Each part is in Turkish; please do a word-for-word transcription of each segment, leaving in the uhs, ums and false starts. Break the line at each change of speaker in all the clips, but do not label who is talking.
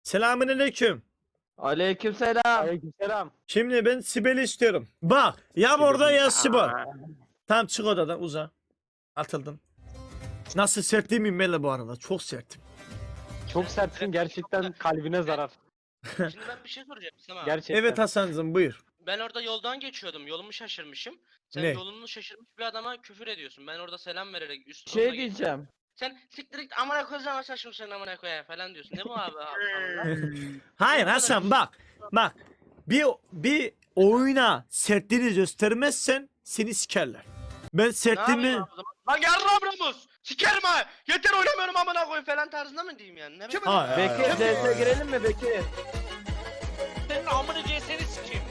Selamünaleyküm.
Aleykümselam.
Aleykümselam.
Şimdi ben Sibel'i istiyorum. Bak ya orada ya Sibel. Tamam çık odadan uza. Atıldım. Nasıl sert değil miyim Mele bu arada? Çok sertim.
Çok sertsin, gerçekten kalbine zarar.
Şimdi ben bir şey soracağım sana.
Gerçekten.
Evet Hasan'cığım buyur.
Ben orada yoldan geçiyordum. Yolumu şaşırmışım. Sen
Ne?
yolunu şaşırmış bir adama küfür ediyorsun. Ben orada selam vererek üst
Şey
yoluna geçtim.
diyeceğim.
Sen siktir git amına koyacağım saçım sen amına koyayım falan diyorsun. Ne bu abi? abi
Hayır Hasan bak. Bak. Bir bir oyuna sertliğini göstermezsen seni sikerler. Ben
Ne
sertliğimi...
yapayım abi o zaman? Lan yarrağım Ramus! Sikerim ha! Yeter oynamıyorum amına koyayım falan tarzında mı diyeyim yani? Ne bileyim?
Hayır, hayır,
Bekir
hayır.
C S'ye girelim mi Bekir?
Senin amına C S'ni sikeyim.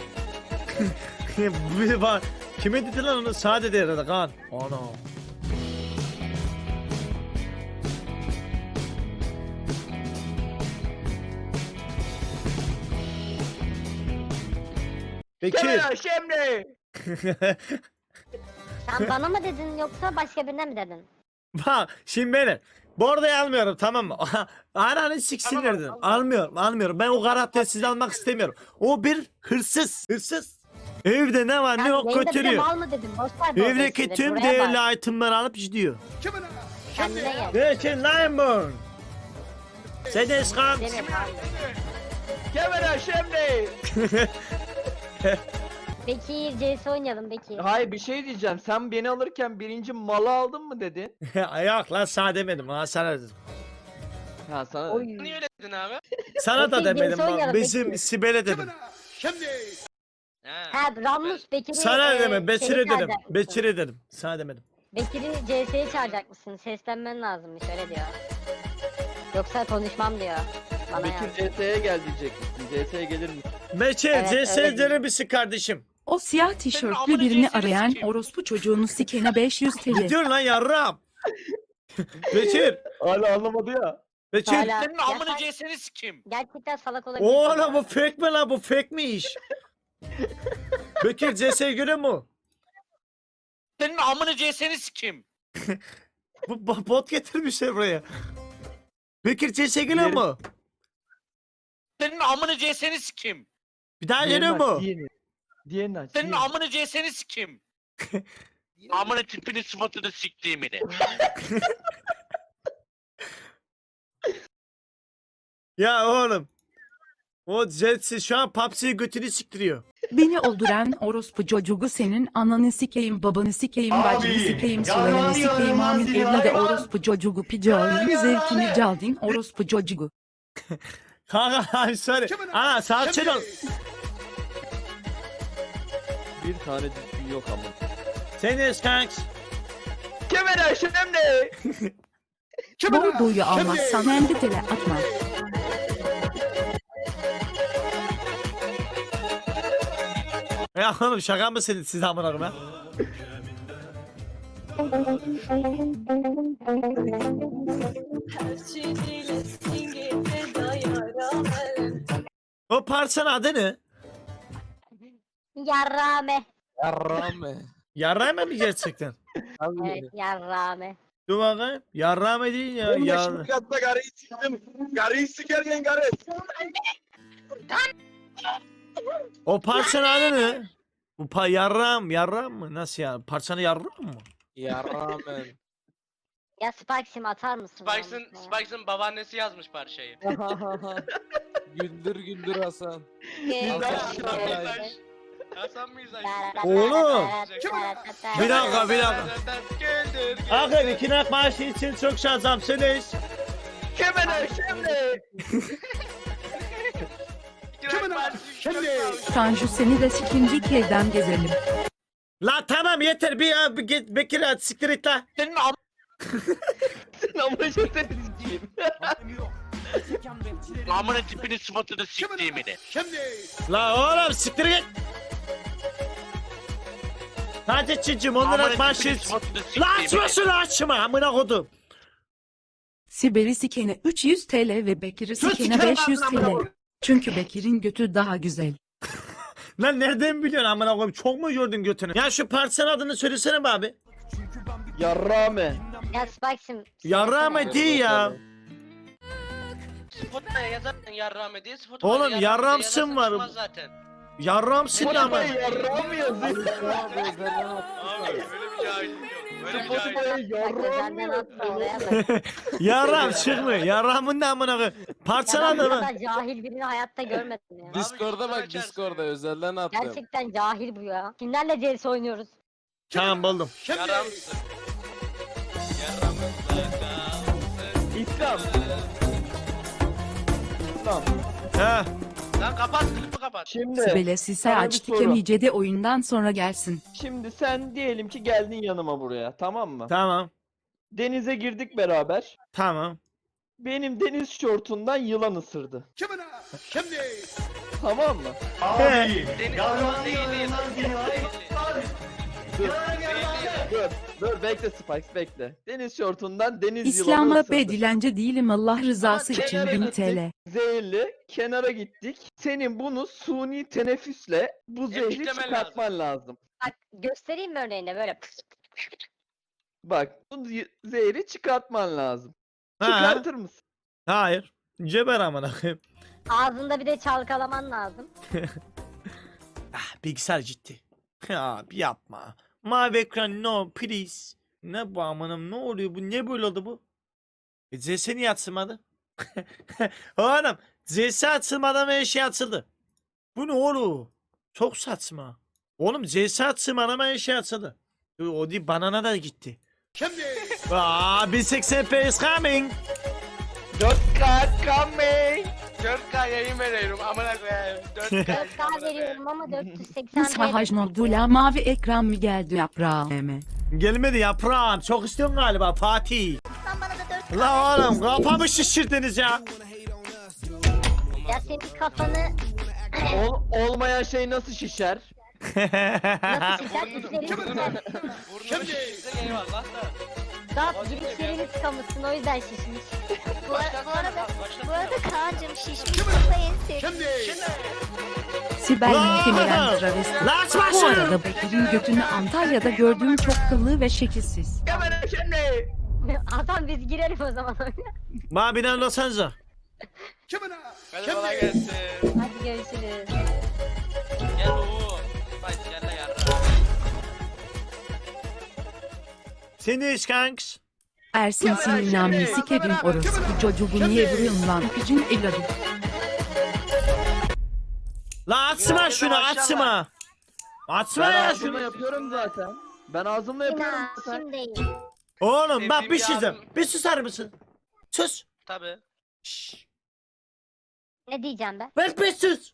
Bir bak. Kime dedi lan onu? Sade dedi herhalde kan. Ana. Bekir.
Kemal şimdi.
Sen bana mı dedin yoksa başka birine mi dedin?
Bak şimdi beni. Bu arada almıyorum tamam mı? Ananı siksinler
Tamam,
dedim.
tamam.
Almıyorum almıyorum. Ben o karakteri size almak istemiyorum. O bir hırsız. Hırsız. Evde ne var ne
Sen
yok
yayında bize
götürüyor.
mal mı dedin? Boş ver bu
Evdeki
olayı
tüm
şimdi, buraya bak.
değerli itemleri alıp gidiyor.
Kendine gel.
Bekir Limeburn. Sedes kan.
Demir abi.
Kemal şimdi.
Bekir C S oynayalım Bekir.
Hayır bir şey diyeceğim. Sen beni alırken birinci malı aldın mı dedin?
Yok lan sana demedim. Ha sana dedim.
Ha sana.
Oy.
Niye öyle dedin abi?
Sana da
Bekir,
demedim.
genç oynayalım,
Bizim
Bekir.
Sibel'e dedim.
He.
Ha Ramus Bekir'i
Sana
e,
demedim. Bekir'e
şeye
dedim.
çağıracak mısın?
Bekir'e dedim. Sana demedim.
Bekir'i C S'ye çağıracak mısın? Seslenmen lazımmış öyle diyor. Yoksa konuşmam diyor. Bana
Bekir
yaz.
C S'ye gel diyecek misin? C S'ye gelir misin?
Bekir
Evet,
C S
öyle
dener misin kardeşim?
O siyah
amına
tişörtlü birini
cinsini
arayan
sikeyim.
orospu çocuğunu sikene beş yüz T L.
Gidiyorsun lan yarram. Bekir.
Hala anlamadı ya.
Bekir.
Hala-
Senin
Ya
amına
sen
C S'ni sikeyim.
gerçekten salak olabilirsin.
Oğlum bu
ya.
fake mi lan bu fake mi iş? Bekir C S'ye göre mu?
Senin amına C S'ni sikeyim.
Bu bo- bot getirmişler buraya. Bekir C S'ye geliyor
Yerim.
mu?
Senin amına C S'ni sikeyim.
Bir daha
Diğerini
geliyor
aç,
mu?
Diğerini. Diğerini aç.
Senin
diğerini.
amına C S'ni sikeyim. Amına tipini sıfatını siktiğimini.
Ya oğlum. O Jetsi şu an P U B G'yi götünü siktiriyor.
Beni öldüren orospu çocuğu senin ananı sikeyim, babanı sikeyim, bacını sikeyim, sularını sikeyim, amin evladı orospu çocuğu picoğlu, zevkini caldin orospu çocuğu.
Kanka I'm sorry. Ana sakin ol.
Bir tane düzgün yok ama.
Seniz kanks.
Kemal şimdi.
Bordoyu almazsan hem de tele atma.
Ya oğlum şaka mısınız siz amına koyayım ha? O parçanın adı ne?
Yarrame.
Yarrame.
Yarrağme mi gerçekten?
Evet yarrame.
Dur bakayım. Yarrağme değil ya. Yar...
katta karıyı siktim. Karıyı sikerken karı.
O parçanın adı ne? Bu pa yarram, yarram mı? Nasıl ya? Parçanı yarram mı?
Yarrame.
Ya Spike'sim atar mısın?
Spikes'ın
ya?
Spikes'ın babaannesi yazmış parçayı.
güldür güldür Hasan.
Ge-
Hasan
ge-
Mizaş. Hasan Mizaş.
Oğlum. Bir
Bir
dakika bir dakika.
Güldür, güldür.
Akın iki nak maaşı için çok şanslısınız.
Kemal şimdi.
Gülen parçası çok sağ ol.
Tanju seni de sikinci evden gezelim.
La tamam yeter bir ya bir git Bekir hadi siktir et la.
Senin am...
Ama çok da düzgün.
amına tipini sıfatını siktiğimini.
La oğlum siktir git. Hadi çincim onlara
Amına
maaşı
tipini
için.
sıfatını
La açma
siktiğimini.
şunu açma amına kodum.
Sibel'i sikene üç yüz T L ve Bekir'i
Sus,
sikene
sikerim
beş yüz T
ağzına
L.
amına.
Çünkü Bekir'in götü daha güzel.
Lan nereden biliyorsun amına koyayım çok mu gördün götünü? Ya şu parçanın adını söylesene be abi.
Yarrame.
Ya Spike'sim.
Yarrağme değil ya.
Spotify'a yazarsan yarrağımı diye Spotify'da
Oğlum,
yarrağımı diye
yarramsın
yazarsan
var.
çıkmaz zaten.
Yarramsın ama.
Spotify'a yarrağı mı yazıyor?
Abi özelden attı.
Abi öyle bir cahillik yok. Öyle bir cahillik.
Spotify'a
Bak
yarrağı mı
özelden atma
yazıyor?
oraya bak.
Yarram çıkmıyor. Yarramın da amına koyayım.
Ya ben
Parçaladı
bu
mı?
kadar cahil birini hayatta görmedim ya.
Discord'a bak
açarsın.
Discord'a özelden attım.
Gerçekten cahil bu ya. Kimlerle C S oynuyoruz?
Tamam buldum.
Yarramsın. Yarramsın.
İslam. İslam.
He.
Lan kapat klipi kapat.
Şimdi,
Sibel'e sise
sana bir
açtık
soru.
emicede oyundan sonra gelsin.
şimdi sen diyelim ki geldin yanıma buraya, tamam mı?
Tamam.
Denize girdik beraber.
Tamam.
Benim deniz şortundan yılan ısırdı. Tamam mı?
He.
Deniz yılan değil değil.
Dur. Dur, dur bekle Spikes bekle. Deniz şortundan deniz yılanı
İslam'a
ısırdı.
be dilence değilim Allah rızası
Ama
için
kenara
bin
gittik.
T L.
Zehirli kenara gittik. Senin bunu suni teneffüsle bu zehri
Emciklemen
çıkartman lazım.
Bak göstereyim mi örneğinde böyle.
Bak bu z- zehri çıkartman lazım.
Ha.
Çıkartır mısın?
Hayır. Ceber amına koyayım.
Ağzında bir de çalkalaman lazım.
Ah, bilgisayar ciddi. Abi yapma. Mavi ekran no please. Ne bu amanım, ne oluyor bu, ne böyle oldu bu? E, C S niye açılmadı? Oğlum C S açılmadan her şey açıldı. Bu ne oğlum? Çok saçma. Oğlum C S açılmadan her şey açıldı. O o değil, banana da gitti. Şimdi. Aa, bin seksen p is coming.
dört K coming.
dört K yayın veriyorum amına koyayım. dört K
dört
yayın
K
amına koyayım.
veriyorum ama dört yüz seksen
Sahaj Nordula mavi ekran mı geldi yaprağıma?
Gelmedi yaprağım. Çok istiyorsun galiba Fatih. La oğlum kafamı şişirdiniz ya.
Ya senin kafanı
Ol- olmayan şey nasıl şişer?
nasıl şişer? İçlerini şişer.
Burnumu şişirse eyvallah da.
Daha girişlerini tıkamışsın o yüzden şişmiş.
Bu,
Başlatsana,
bu arada
başlatsana.
bu arada Kaan'cım şişmiş kafa en sevdiğim.
Sibel
Lan!
muhtemelen travesti.
Lan açma
Bu
şunu.
arada Bekir'in götünü Antalya'da gördüğüm çok kıllı ve şekilsiz.
Hemen şimdi.
Adam biz girelim o zaman oyuna.
Mabiden Los Angeles.
Hadi kolay gelsin.
Hadi görüşürüz.
Gel oğlum. Bak gel de yarrağım.
Seniz kanks.
Ersin senin namını sikerim orospu çocuğu niye vuruyorsun lan picin evladım.
La açma şunu, açma. Açma
Ben
ya
ağzımla
şunu.
yapıyorum zaten. Ben ağzımla yapıyorum
Yine
zaten.
şimdi.
Oğlum bak bir
Sevdiğim
şey diyeceğim.
yardım.
Bir susar mısın? Sus.
Tabi.
Şşş.
Ne diyeceğim ben?
Bak bir sus.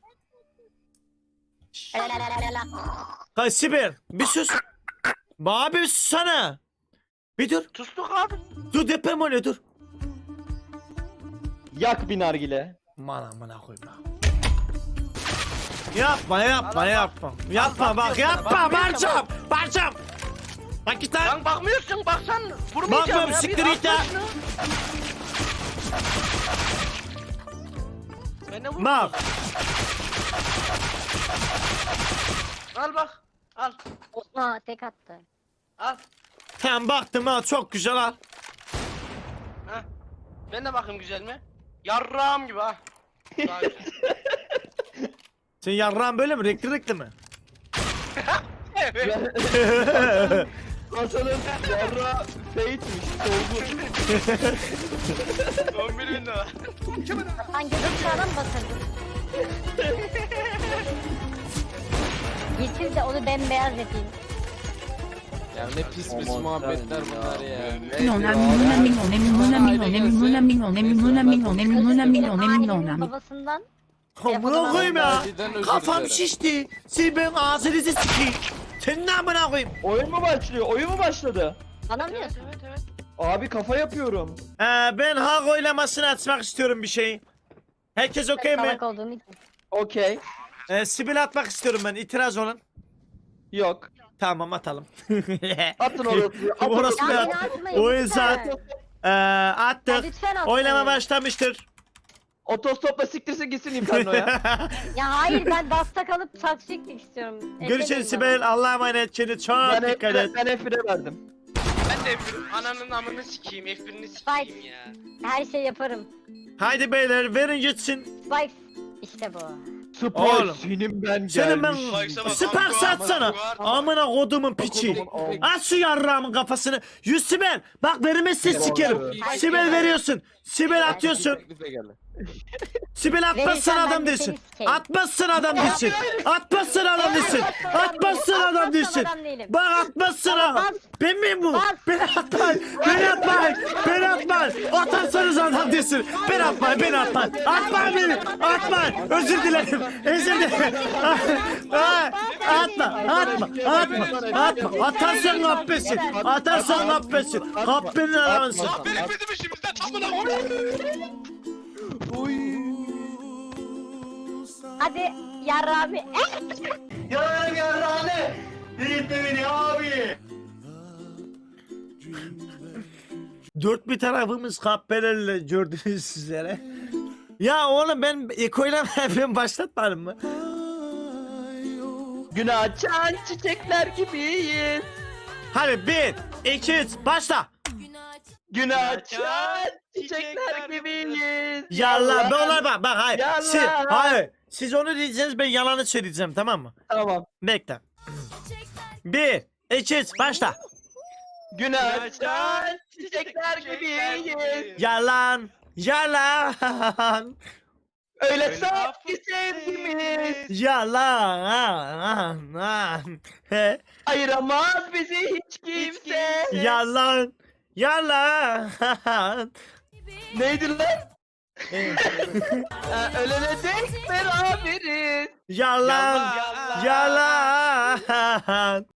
Lalalala.
Kay Sibel bir sus. Bana bir susana. Bir dur.
Tustuk abi.
Dur deprem oluyor dur.
Yak bir nargile.
Aman amına koyma. Yapma yapma
Al, al,
yapma. Yapma
Al,
bak
bakmıyorum
yapma
sana, bakmıyorum
Barcam. Barcam. Bak git lan.
Lan bakmıyorsun baksan vurmayacağım
Bakmıyorum,
ya.
siktir
Bir
git ya.
atla şunu. Ben de vurmadım.
Bak.
Al bak. Al.
Osman tek attı.
Al.
Tamam baktım ha, çok güzel al.
Heh. Ben de bakayım güzel mi? Yarrağım gibi ha. Daha güzel.
Sen yarrağın böyle mi? Renkli renkli mi?
Evet.
Hasan'ın yarra feyitmiş. Dolgun.
on bir bin lira.
Sen gözün çağına mı batırdın? Getir de onu bembeyaz yapayım.
Ya ne pis pis
Aman
muhabbetler
tanrım
bunlar
ya.
ya.
Minona minona minona minona minona minona minona minona minona minona minona minona
Ailenin babasından
Amına koyayım ya.
Harbiden özür
Kafam
dilerim.
şişti. Siz ben ağzınızı sikeyim. Senin amına koyayım.
Oyun mu başlıyor? Oyun mu başladı?
bana mı
Evet
diyorsun?
evet evet.
Abi kafa yapıyorum.
Ee, ben hak oylamasını açmak istiyorum bir şey. Herkes okey mi?
Salak olduğum için.
Okey.
Ee, Sibel atmak istiyorum ben. İtiraz olan.
Yok.
Tamam atalım.
Atın orası. Atın
Orası
Ya
ne?
beni atmayın.
O
lütfen.
yüzden ee,
Ya
attık.
lütfen atmayın.
Oylama başlamıştır.
Otostopla siktirsin gitsin Inferno'ya.
Ya hayır ben dasta kalıp saç çekmek istiyorum.
Görüşürüz
Eklemeyin
Sibel. Allah'a emanet. Kendine çok
ben
dikkat et.
F ben F bire verdim.
Ben de F bir ananın amını sikeyim F birini sikeyim ya.
bana. Her şey yaparım.
Haydi beyler verin gitsin.
Spikes. İşte bu.
Spike
Oğlum.
senin ben
Senin ben
gelmiş.
Süper satsana. Amına kodumun piçi. Aç şu yarrağımın kafasını. Yüz Sibel. Bak vermezsen sikerim. Sibel veriyorsun. Sibel atıyorsun.
Teklife geldi.
Sibel atmazsan
Verirsen
adam
ben de
değilsin.
seni sikeyim.
Atmazsan adam değilsin. Atmazsan adam değilsin. Atmazsan adam değilsin.
adam değilim.
Bak atmazsan adam.
Bas.
Ben miyim bu?
Bas.
Beni atmayın. Beni atmayın. Beni atmayın. Atarsanız adam değilsin. Ben atmayın. Ben atmayın. Atmayın beni. Atmayın. Özür dilerim. Özür dilerim. Ah, Atma. Atma. Atma. Atma. Atarsan kahpesin. Atarsan kahpesin. Kahpenin aramısın.
Lan benim bizim işimizden amına koyayım.
Hadi yarra abi.
Yararım yarrağını. Delirtme beni abi.
Dört bir tarafımız kahpelerle gördünüz üzere. Ya oğlum ben Eko'yla ben başlatmadım mı?
Gün açan çiçekler gibiyiz.
Hadi bir, iki, üç, başla.
Gün açan çiçekler gibiyiz.
Yallah ben onlar bak bak hayır.
Yallah.
Siz, hayır. Siz onu diyeceksiniz ben yalanı söyleyeceğim tamam mı?
Tamam.
Bekle. Bir, iki, üç, başla.
Gün açan çiçekler gibiyiz.
Yalan, yalan,
Öyle saf ki sevgimiz.
yalan, he,
Ayıramaz bizi hiç kimse.
yalan, yalan.
Neydi lan? Ha, ölene dek beraberiz.
Yalan, yalan.